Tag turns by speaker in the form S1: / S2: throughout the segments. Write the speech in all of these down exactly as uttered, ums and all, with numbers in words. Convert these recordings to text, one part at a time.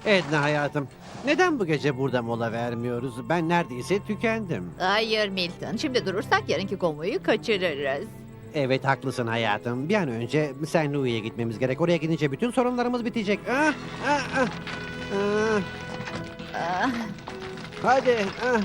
S1: Edna hayatım, neden bu gece burada mola vermiyoruz? Ben neredeyse tükendim.
S2: Hayır Milton. Şimdi durursak yarınki konvoyu kaçırırız.
S1: Evet haklısın hayatım. Bir an önce Saint Louis'e gitmemiz gerek. Oraya gidince bütün sorunlarımız bitecek. Ah, ah, ah. Ah,
S2: Ah,
S1: hadi. Ah.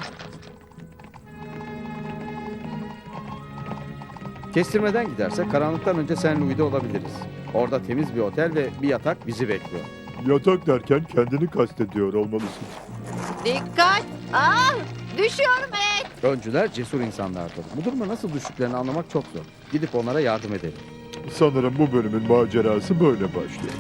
S3: Kestirmeden gidersek karanlıktan önce Saint Louis'de olabiliriz. Orada temiz bir otel ve bir yatak bizi bekliyor.
S4: Yatak derken kendini kastediyor olmalısın.
S2: dikkat! Ah, düşüyorum et.
S3: Öncüler cesur insanlardır. Bu duruma nasıl düştüklerini anlamak çok zor. Gidip onlara yardım edelim.
S4: Sanırım bu bölümün macerası böyle başlıyor.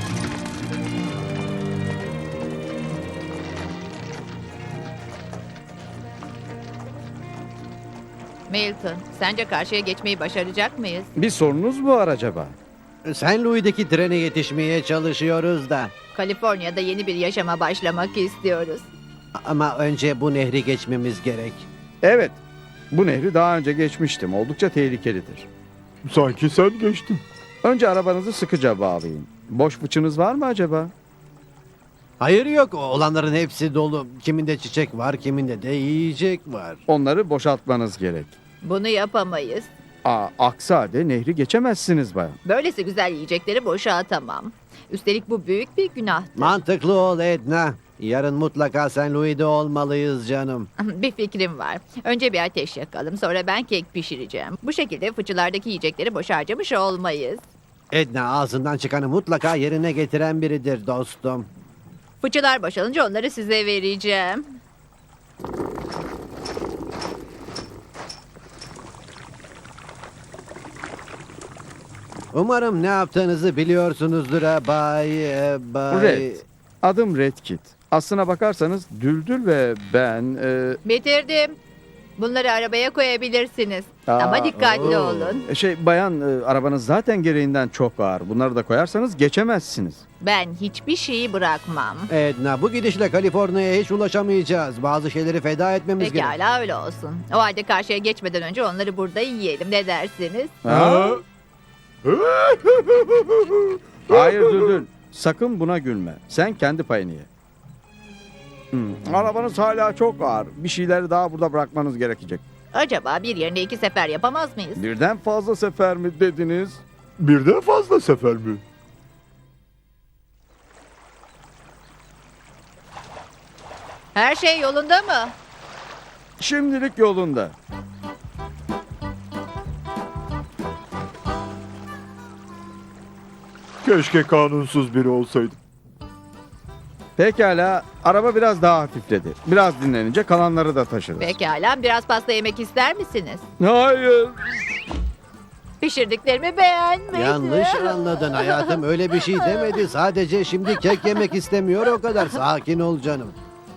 S2: Milton, sence karşıya geçmeyi başaracak mıyız?
S3: Bir sorunuz mu var acaba?
S1: Saint Louis'deki trene yetişmeye çalışıyoruz da.
S2: Kaliforniya'da yeni bir yaşama başlamak istiyoruz.
S1: Ama önce bu nehri geçmemiz gerek.
S3: Evet. Bu nehri daha önce geçmiştim. Oldukça tehlikelidir.
S4: Sanki sen geçtin.
S3: Önce arabanızı sıkıca bağlayın. Boş fıçınız var mı acaba?
S1: Hayır yok, olanların hepsi dolu. Kiminde çiçek var, kiminde de yiyecek var.
S3: Onları boşaltmanız gerek.
S2: Bunu yapamayız.
S3: Aa, aksi halde nehri geçemezsiniz bayan.
S2: Böylesi güzel yiyecekleri boşa atamam. Üstelik bu büyük bir günahtır.
S1: Mantıklı ol Edna. Yarın mutlaka Saint Louis'de olmalıyız canım.
S2: Bir fikrim var. Önce bir ateş yakalım, sonra ben kek pişireceğim. Bu şekilde fıçılardaki yiyecekleri boşa harcamış olmayız.
S1: Edna ağzından çıkanı mutlaka yerine getiren biridir dostum.
S2: Fıçılar boşalınca onları size vereceğim.
S1: Umarım ne yaptığınızı biliyorsunuzdur ha Bay... e, Bay...
S3: Red. Adım Red Kit. Aslına bakarsanız Düldül ve ben... e,
S2: Bitirdim. Bunları arabaya koyabilirsiniz.
S3: Aa,
S2: Ama dikkatli
S1: oo.
S2: olun.
S3: şey bayan e, arabanız zaten gereğinden çok ağır. Bunları da koyarsanız geçemezsiniz.
S2: Ben hiçbir şeyi bırakmam.
S1: Edna bu gidişle Kaliforniya'ya hiç ulaşamayacağız. Bazı şeyleri feda etmemiz gerek.
S2: Pekala öyle olsun. O halde karşıya geçmeden önce onları burada yiyelim. Ne dersiniz?
S3: Ha? Hayır Düldül. Sakın buna gülme. Sen kendi payını ye. Hmm, Arabanız hala çok ağır. Bir şeyleri daha burada bırakmanız gerekecek.
S2: Acaba bir yerine iki sefer yapamaz mıyız?
S3: Birden fazla sefer mi dediniz?
S4: Birden fazla sefer mi?
S2: Her şey yolunda mı?
S3: Şimdilik yolunda.
S4: Keşke kanunsuz biri olsaydım.
S3: Pekala. Araba biraz daha hafifledi. Biraz dinlenince kalanları da taşırız.
S2: Pekala biraz pasta yemek ister misiniz?
S3: Hayır.
S2: Pişirdiklerimi beğenmedi.
S1: Yanlış anladın hayatım. Öyle bir şey demedi. Sadece şimdi kek yemek istemiyor o kadar. Sakin ol canım.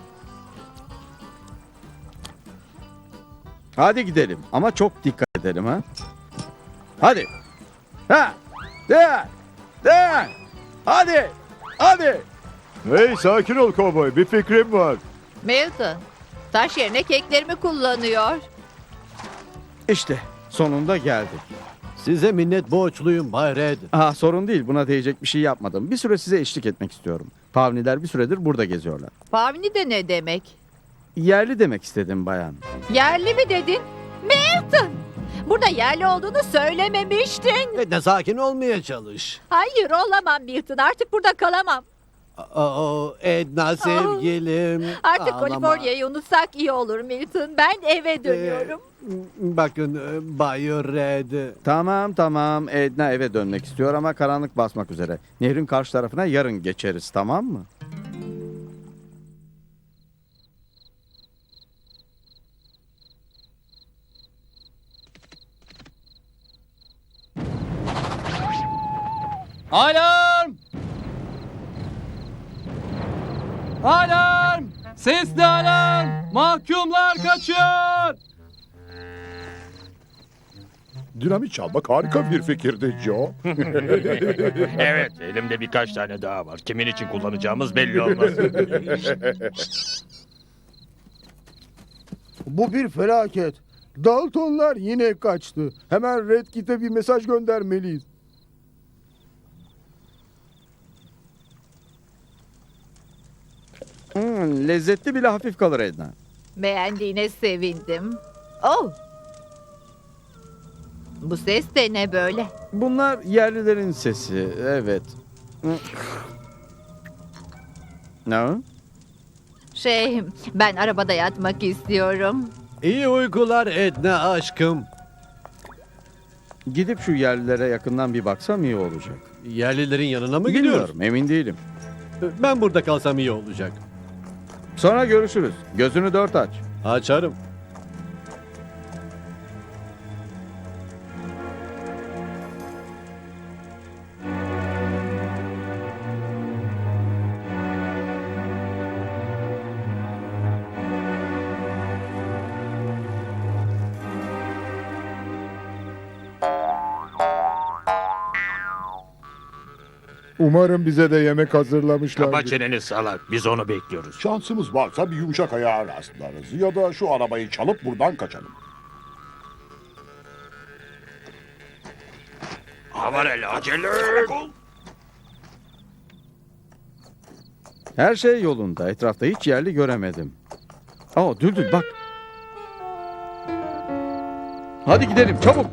S3: Hadi gidelim. Ama çok dikkat edelim ha. Hadi. Ha. De. De. Hadi. Hadi.
S4: Hey sakin ol kovboy, bir fikrim var.
S2: Milton, taş yerine keklerimi kullanıyor.
S3: İşte sonunda geldik.
S1: Size minnet borçluyum Bay Red.
S3: Aha, sorun değil. Buna değecek bir şey yapmadım. Bir süre size eşlik etmek istiyorum. Pavniler bir süredir burada geziyorlar.
S2: Pavni de ne demek?
S3: Yerli demek istedim bayan.
S2: Yerli mi dedin? Milton! Burada yerli olduğunu söylememiştin.
S1: Edna sakin olmaya çalış.
S2: Hayır olamam Milton. Artık burada kalamam.
S1: Aa, Edna sevgilim.
S2: Artık
S1: Ağlama.
S2: Kaliforniya'yı unutsak iyi olur Milton. Ben eve dönüyorum.
S1: Ee, bakın e, Bay Red.
S3: Tamam tamam. Edna eve dönmek istiyor ama karanlık basmak üzere. Nehrin karşı tarafına yarın geçeriz, tamam mı?
S5: Alarm! Alarm! Sesli alarm! Mahkumlar kaçıyor!
S4: Dinamit çalmak harika bir fikirdi Joe.
S6: Evet, elimde birkaç tane daha var. Kimin için kullanacağımız belli olmaz.
S7: Bu bir felaket. Daltonlar yine kaçtı. Hemen Red Kit'e bir mesaj göndermeliyiz.
S3: Hmm, lezzetli bile hafif kalır Edna.
S2: Beğendiğine sevindim. Oh! Bu ses de ne böyle?
S3: Bunlar yerlilerin sesi, evet. Ne o?
S2: Şey, ben arabada yatmak istiyorum.
S1: İyi uykular Edna aşkım.
S3: Gidip şu yerlilere yakından bir baksam iyi olacak.
S1: Yerlilerin yanına mı gidiyoruz?
S3: Bilmiyorum, emin değilim.
S1: Ben burada kalsam iyi olacak.
S3: Sonra görüşürüz. Gözünü dört aç.
S1: Açarım.
S7: Umarım bize de yemek hazırlamışlardır.
S6: Kapa çeneni salak. Biz onu bekliyoruz.
S4: Şansımız varsa bir yumuşak ayağa rastlarız. Ya da şu arabayı çalıp buradan kaçalım.
S6: Aman acele.
S3: Her şey yolunda. Etrafta hiç yerli göremedim. Aa, Düldül bak. Hadi gidelim çabuk.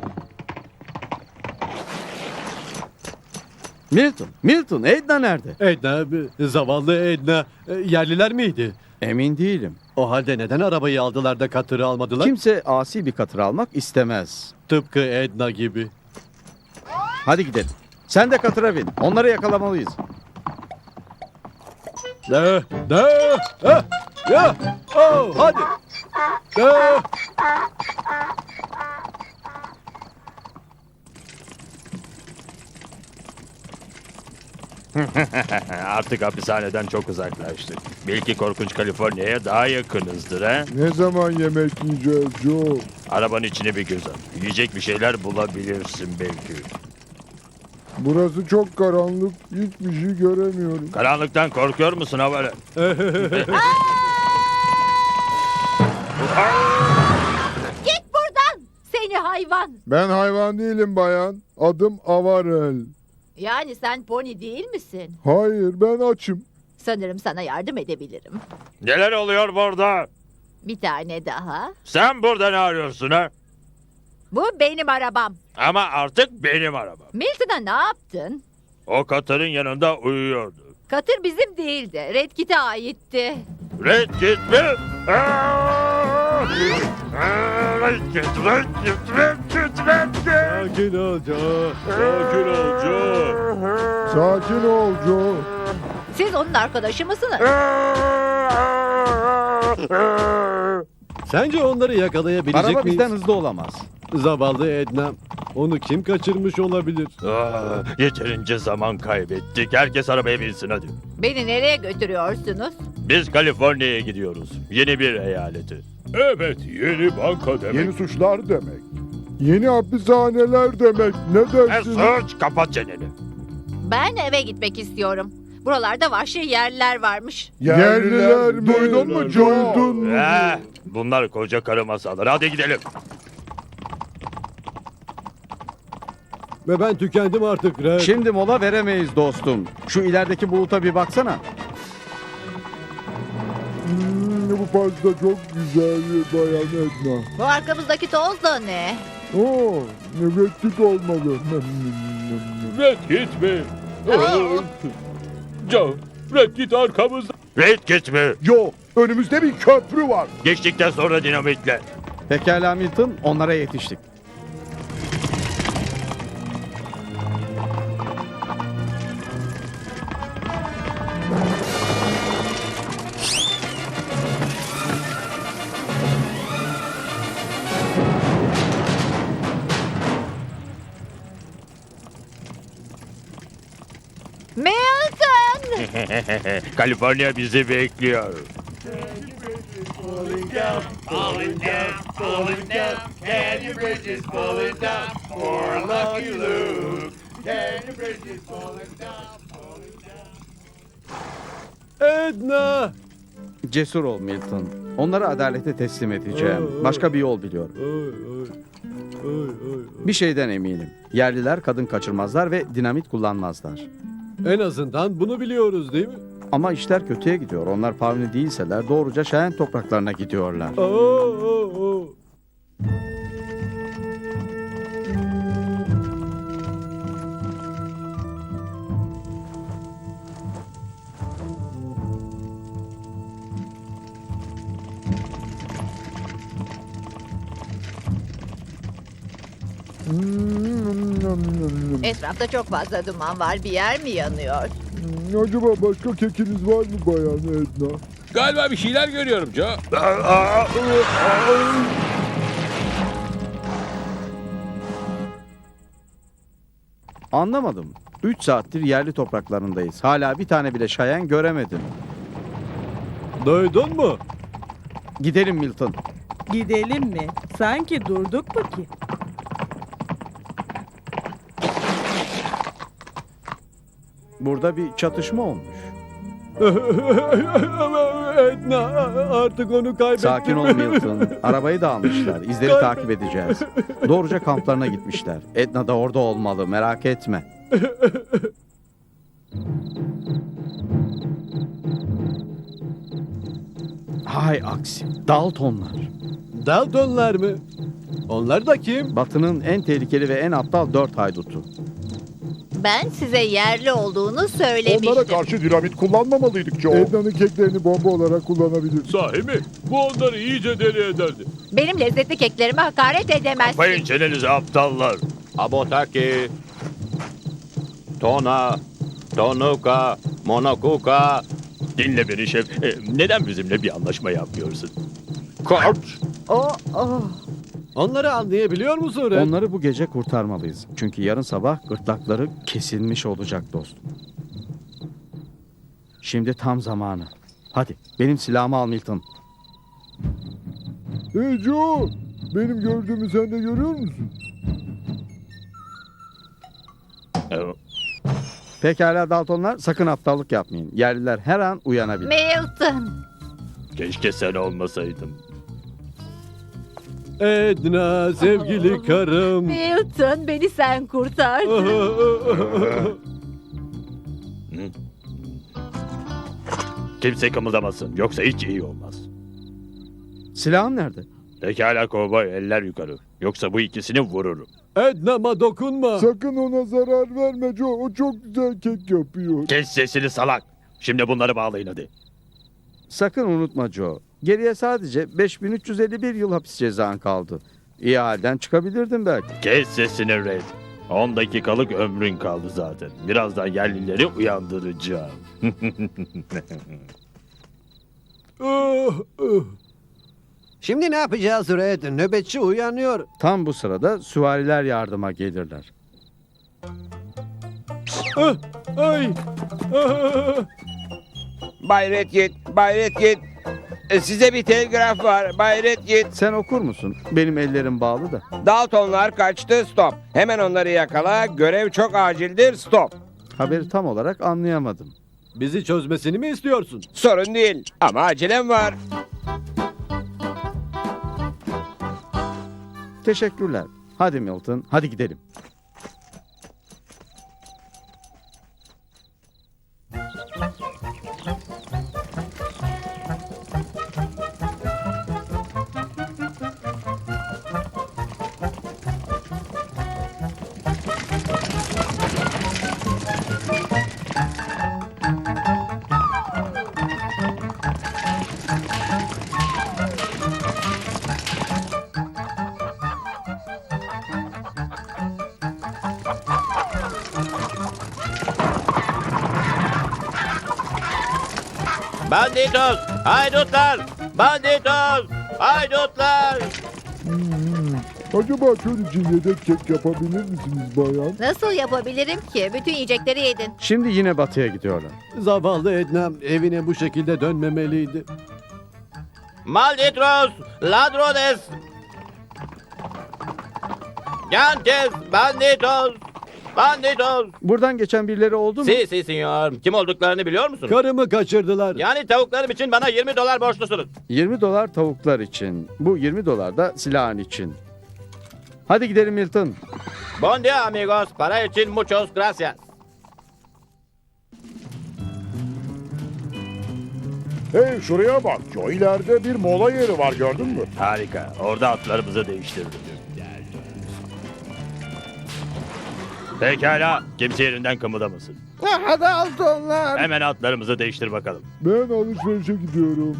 S3: Milton, Milton, Edna nerede?
S1: Edna, zavallı Edna. E, Yerliler miydi?
S3: Emin değilim.
S1: O halde neden arabayı aldılar da katırı almadılar?
S3: Kimse asi bir katır almak istemez.
S1: Tıpkı Edna gibi.
S3: Hadi gidelim. Sen de katıra bin. Onları yakalamalıyız.
S1: Ne? Ne? Ha? Ya! Oh, hadi! Ne?
S6: Artık hapishaneden çok uzaklaştık. Belki korkunç Kaliforniya'ya daha yakınızdır ha?
S7: Ne zaman yemek yiyeceğiz Joe?
S6: Arabanın içine bir göz at. Yiyecek bir şeyler bulabilirsin belki.
S7: Burası çok karanlık. Hiçbir şey göremiyorum.
S6: Karanlıktan korkuyor musun havalı?
S2: Git buradan! Seni hayvan!
S7: Ben hayvan değilim bayan. Adım Avarel.
S2: Yani sen pony değil misin?
S7: Hayır, ben açım.
S2: Sanırım sana yardım edebilirim.
S6: Neler oluyor burada?
S2: Bir tane daha.
S6: Sen burada ne arıyorsun ha?
S2: Bu benim arabam.
S6: Ama artık benim arabam.
S2: Milton'a ne yaptın?
S6: O katırın yanında uyuyordu.
S2: Katır bizim değildi. Red Kit'e aitti.
S6: Red Kit mi? Aa! Aa, Red Kit, Red Kit, Red Kit, Red Kit.
S1: Sakin ol Joe.
S6: Sakin ol Joe.
S7: Sakin ol Joe.
S2: Siz onun arkadaşı mısınız?
S1: Sence onları yakalayabilecek
S3: Araba
S1: miyiz?
S3: bizden hızlı olamaz.
S1: Zavallı Edna. Onu kim kaçırmış olabilir?
S6: Aa, yeterince zaman kaybettik. Herkes arabaya binsin hadi.
S2: Beni nereye götürüyorsunuz?
S6: Biz Kaliforniya'ya gidiyoruz. Yeni bir eyaleti.
S4: Evet, yeni banka demek. Yeni suçlar demek. Yeni hapishaneler demek. Ne
S6: E
S4: dersin?
S6: sus, kapat çeneni.
S2: Ben eve gitmek istiyorum. Buralarda vahşi yerler varmış.
S7: Yerliler mi?
S4: Duydun mu Joe?
S7: Duydun mu?
S6: Eh, bunlar koca karı masalları. Hadi gidelim.
S1: Ve ben tükendim artık Red.
S3: Şimdi mola veremeyiz dostum. Şu ilerideki buluta bir baksana.
S7: Hmm, bu pasta çok güzel bayan Edna.
S2: Bu arkamızdaki toz da ne?
S7: Oo, nöbetlik olmalı.
S5: Red Kit mi? Joe, Red Kit arkamızda.
S6: Red Kit mi?
S4: Joe, önümüzde bir köprü var.
S6: Geçtikten sonra dinamitle.
S3: Pekala Milton, onlara yetiştik.
S2: Milton!
S6: Kaliforniya bizi bekliyor.
S1: Edna!
S3: Cesur ol Milton. Onları adalete teslim edeceğim. Başka bir yol biliyorum.
S1: Oy, oy. Oy, oy, oy.
S3: Bir şeyden eminim. Yerliler kadın kaçırmazlar ve dinamit kullanmazlar.
S1: En azından bunu biliyoruz değil mi?
S3: Ama işler kötüye gidiyor. Onlar Pavni değilseler doğruca Şahen topraklarına gidiyorlar.
S2: Etrafta çok fazla duman var. Bir yer mi yanıyor?
S4: Acaba başka kekiniz var mı Bayan Edna?
S5: Galiba bir şeyler görüyorum Joe.
S3: Anlamadım. Üç saattir yerli topraklarındayız. Hala bir tane bile Şahen göremedim.
S5: Duydun mu?
S3: Gidelim Milton.
S8: Gidelim mi? Sanki durduk mu ki?
S3: Burada bir çatışma olmuş.
S5: Edna artık onu kaybettim.
S3: Sakin ol Milton. Arabayı da almışlar. İzleri takip edeceğiz. Doğruca kamplarına gitmişler. Edna da orada olmalı. Merak etme. Hay aksi. Daltonlar.
S5: Daltonlar mı? Onlar da kim?
S3: Batı'nın en tehlikeli ve en aptal dört haydutu.
S2: Ben size yerli olduğunu söylemiştim.
S4: Onlara karşı dinamit kullanmamalıydık Joe. Edna'nın keklerini bomba olarak kullanabilir.
S5: Sahi mi? Bu onları iyice deli ederdi.
S2: Benim lezzetli keklerime hakaret edemezsin.
S6: Bayın çenenizi aptallar.
S9: Abotaki, Tona, Tonuka, Monokuka.
S6: Dinle beni şef. E, neden bizimle bir anlaşma yapmıyorsun? Koç.
S2: Oh, oh.
S5: Onları anlayabiliyor musun Red?
S3: Onları bu gece kurtarmalıyız. Çünkü yarın sabah gırtlakları kesilmiş olacak dostum. Şimdi tam zamanı. Hadi benim silahımı al Milton.
S4: Hey Joe, benim gördüğümü sen de görüyor musun?
S6: E,
S3: Pekala Daltonlar, sakın aptallık yapmayın. Yerliler her an uyanabilir.
S2: Milton.
S6: keşke sen olmasaydın.
S5: Edna sevgili karım.
S2: Milton beni sen kurtardın.
S6: Kimse kımıldamasın. Yoksa hiç iyi olmaz.
S3: Silahın nerede?
S6: Pekala kovboy, eller yukarı. Yoksa bu ikisini vururum.
S5: Edna'ma dokunma.
S4: Sakın ona zarar verme Joe. O çok güzel kek yapıyor.
S6: Kes sesini salak. Şimdi bunları bağlayın hadi.
S3: Sakın unutma Joe. Geriye sadece beş bin üç yüz elli bir yıl hapis cezan kaldı. İyi halden çıkabilirdin belki.
S6: Kes sesini Red. on dakikalık ömrün kaldı zaten. Birazdan yerlileri uyandıracağım.
S1: Şimdi ne yapacağız Red? Nöbetçi uyanıyor.
S3: Tam bu sırada süvariler yardıma gelirler.
S5: Ay.
S10: Bay Redkit, Bay Redkit. E, Size bir telgraf var Bay Redkit.
S3: Sen okur musun? Benim ellerim bağlı da.
S10: Daltonlar kaçtı, stop. Hemen onları yakala, görev çok acildir, stop.
S3: Haberi tam olarak anlayamadım.
S5: Bizi çözmesini mi istiyorsun?
S10: Sorun değil ama acelem var.
S3: Teşekkürler. Hadi Milton, hadi gidelim.
S9: Banditos, haydutlar, banditos, haydutlar.
S4: Acaba çöl için yedek kek yapabilir misiniz bayan?
S2: Nasıl yapabilirim ki? Bütün yiyecekleri yedin.
S3: Şimdi yine batıya gidiyorlar.
S5: Zavallı Edna evine bu şekilde dönmemeliydi.
S9: Malditros, ladrones. Gantes, banditos, banditos.
S3: Buradan geçen birileri oldu mu?
S9: Si, si, senyor. Kim olduklarını biliyor musunuz?
S5: Karımı kaçırdılar.
S9: Yani tavuklarım için bana yirmi dolar borçlusunuz.
S3: yirmi dolar tavuklar için. Bu yirmi dolar da silahın için. Hadi gidelim Milton.
S9: Bon dia amigos. Para için muchos gracias.
S4: Hey şuraya bak. Joe ileride bir mola yeri var gördün mü?
S6: Harika. Orada atlarımızı değiştirdik. Pekala. Kimse yerinden kımıldamasın.
S7: Ah, Daltonlar.
S6: Hemen atlarımızı değiştir bakalım.
S4: Ben alışverişe gidiyorum.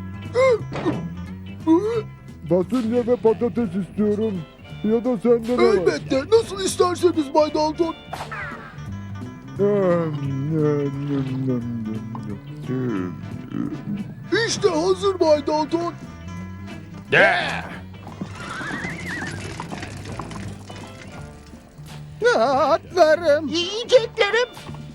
S4: Fasulye ve patates istiyorum. Ya da sende ne var?
S7: Elbette. Nasıl isterseniz Bay Dalton. İşte hazır Bay Dalton.
S6: De!
S7: Atlarım. Yiyeceklerim.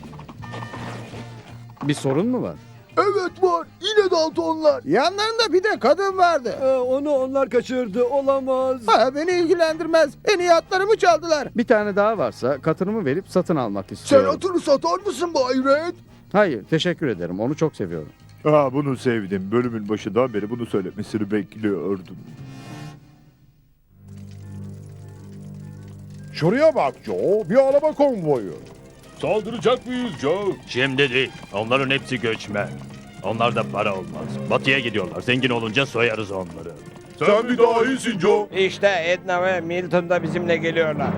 S3: Bir sorun mu var?
S7: Evet var. Yine Daltonlar. Yanlarında bir de kadın vardı.
S5: Ee, onu onlar kaçırdı. Olamaz.
S7: Ha, beni ilgilendirmez. En iyi atlarımı çaldılar.
S3: Bir tane daha varsa katırımı verip satın almak
S7: Sen
S3: istiyorum.
S7: atını satar mısın Bay Red?
S3: Hayır, teşekkür ederim. Onu çok seviyorum.
S4: Aa, bunu sevdim. Bölümün başından beri bunu söylemesini bekliyordum. Şuraya bak Joe. Bir araba konvoyu.
S6: Saldıracak mıyız Joe? Şimdi değil. Onların hepsi göçmen. Onlarda para olmaz. Batıya gidiyorlar. Zengin olunca soyarız onları.
S4: Sen bir daha iyisin Joe.
S10: İşte Edna ve Milton da bizimle geliyorlar.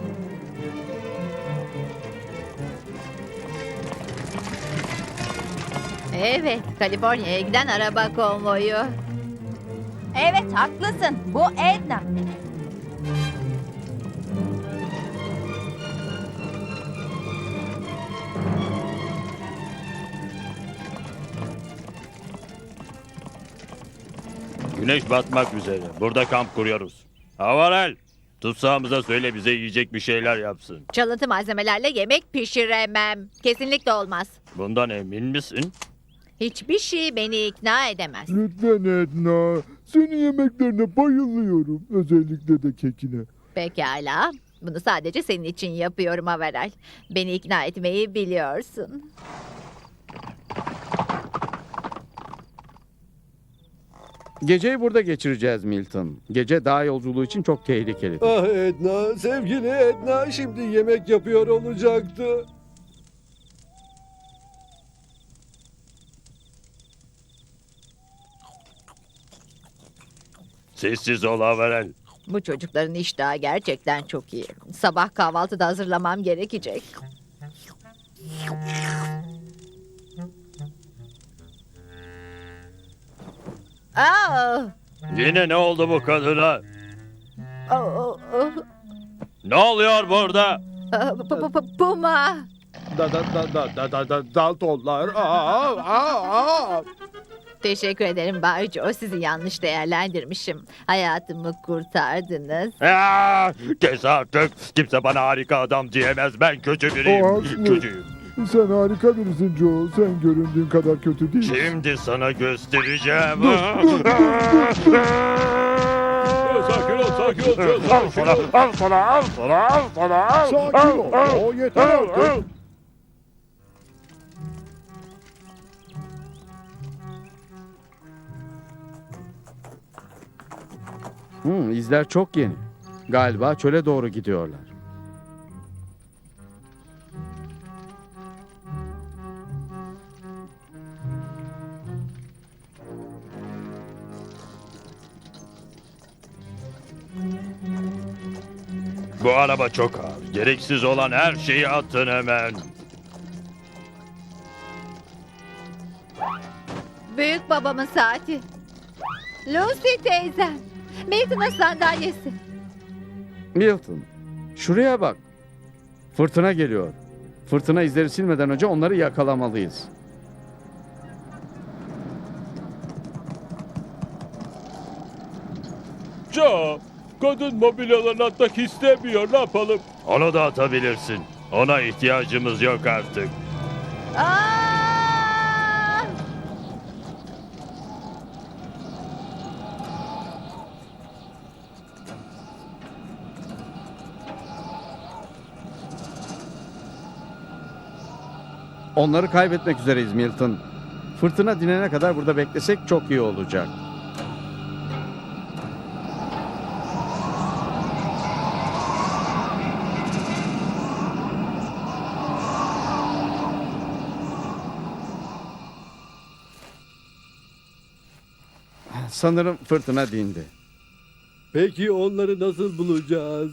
S2: Evet, Kaliforniya'ya giden araba konvoyu.
S11: Evet haklısın. Bu Edna.
S6: Güneş batmak üzere. Burada kamp kuruyoruz. Havarel, tutsağımıza söyle bize yiyecek bir şeyler yapsın.
S2: Çalıntı malzemelerle yemek pişiremem. Kesinlikle olmaz.
S6: Bundan emin misin?
S2: Hiçbir şey beni ikna edemez.
S4: Lütfen Edna. Senin yemeklerine bayılıyorum. Özellikle de kekine.
S2: Pekala. Bunu sadece senin için yapıyorum Averel. Beni ikna etmeyi biliyorsun.
S3: Geceyi burada geçireceğiz Milton. Gece dağ yolculuğu için çok tehlikeli.
S5: Ah Edna, sevgili Edna şimdi yemek yapıyor olacaktı.
S6: Sessiz ol Havarel.
S2: Bu çocukların iştahı gerçekten çok iyi. Sabah kahvaltıda hazırlamam gerekecek. Aa!
S6: Yine ne oldu bu kadına?
S2: Oh, oh, oh.
S6: Ne oluyor burada?
S2: Aa, pu- pu- pu- Puma.
S7: Da da da da da da da Daltonlar. Aa, aa, aa.
S2: Teşekkür ederim Bay Joe. Sizi yanlış değerlendirmişim. Hayatımı kurtardınız.
S6: Aa, kes artık. Kimse bana harika adam diyemez. Ben kötü
S4: O
S6: biriyim.
S4: haklı.
S6: Kötüyüm.
S4: Sen harika birisin Joe. Sen göründüğün kadar kötü değilsin.
S6: Şimdi sana göstereceğim.
S5: Sakin ol, sakin ol. Joe,
S6: Al
S5: sakin
S6: sana,
S5: ol.
S6: al sana, al sana, al sana, al.
S4: Sakin ol. O yeter artık.
S3: Hmm, izler çok yeni. Galiba çöle doğru gidiyorlar.
S6: Bu araba çok ağır. Gereksiz olan her şeyi atın hemen.
S2: Büyük babamın saati. Lucy teyzem. Milton'ın sandalyesi.
S3: Milton, şuraya bak. Fırtına geliyor. Fırtına izleri silmeden önce onları yakalamalıyız.
S6: Joe, kadın mobilyalarını atmak istemiyor. Ne yapalım? Onu da atabilirsin. Ona ihtiyacımız yok artık.
S2: Aa!
S3: Onları kaybetmek üzereyiz Milton. Fırtına dinene kadar burada beklesek çok iyi olacak. sanırım fırtına dindi.
S5: Peki onları nasıl bulacağız?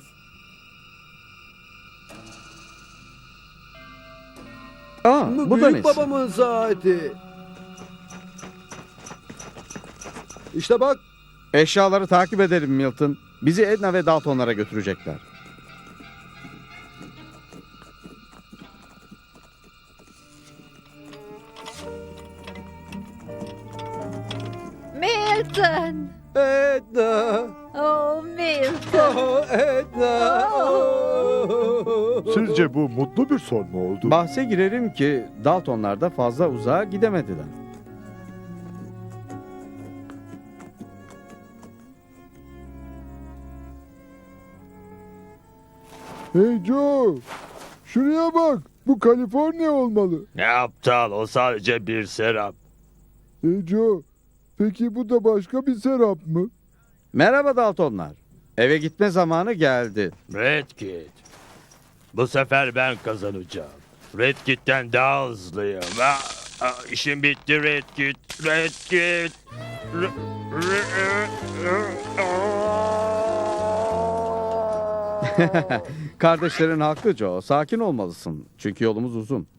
S3: Aa,
S5: Bu
S3: bu da
S5: büyük
S3: nesi?
S5: babamın saati. İşte bak.
S3: Eşyaları takip edelim Milton. Bizi Edna ve Daltonlara götürecekler.
S2: Milton.
S5: Edna.
S2: Oh Milton.
S5: Oh, Edna. Oh.
S4: Sizce bu mutlu bir son mu oldu?
S3: Bahse girerim ki Daltonlar da fazla uzağa gidemediler.
S4: Hey Joe, şuraya bak. Bu Kaliforniya olmalı.
S6: Ne aptal, o sadece bir serap.
S4: Hey Joe, peki bu da başka bir serap mı?
S3: Merhaba Daltonlar. Eve gitme zamanı geldi.
S6: Red Kit. Bu sefer ben kazanacağım. Red Kit'ten daha hızlıyım. Ah, ah, işim bitti Red Kit. Red Kit. R- r-
S3: Kardeşlerin haklı Joe. Sakin olmalısın. Çünkü yolumuz uzun.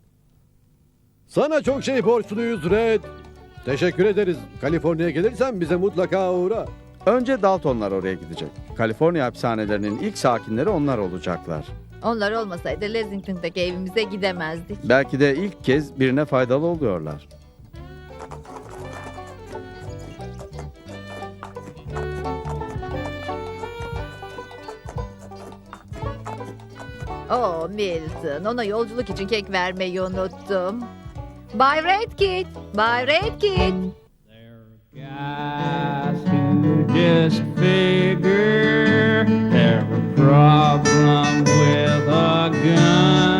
S5: Sana çok şey borçluyuz Red. Teşekkür ederiz. Kaliforniya'ya gelirsen bize mutlaka uğra.
S3: Önce Daltonlar oraya gidecek. Kaliforniya hapishanelerinin ilk sakinleri onlar olacaklar.
S2: Onlar olmasaydı Lexington'daki evimize gidemezdik.
S3: Belki de ilk kez birine faydalı oluyorlar.
S2: Oh Milton, ona yolculuk için kek vermeyi unuttum. Bay Red Kit, Bay Red Kit.
S10: Guys who just figure they're a problem with a gun.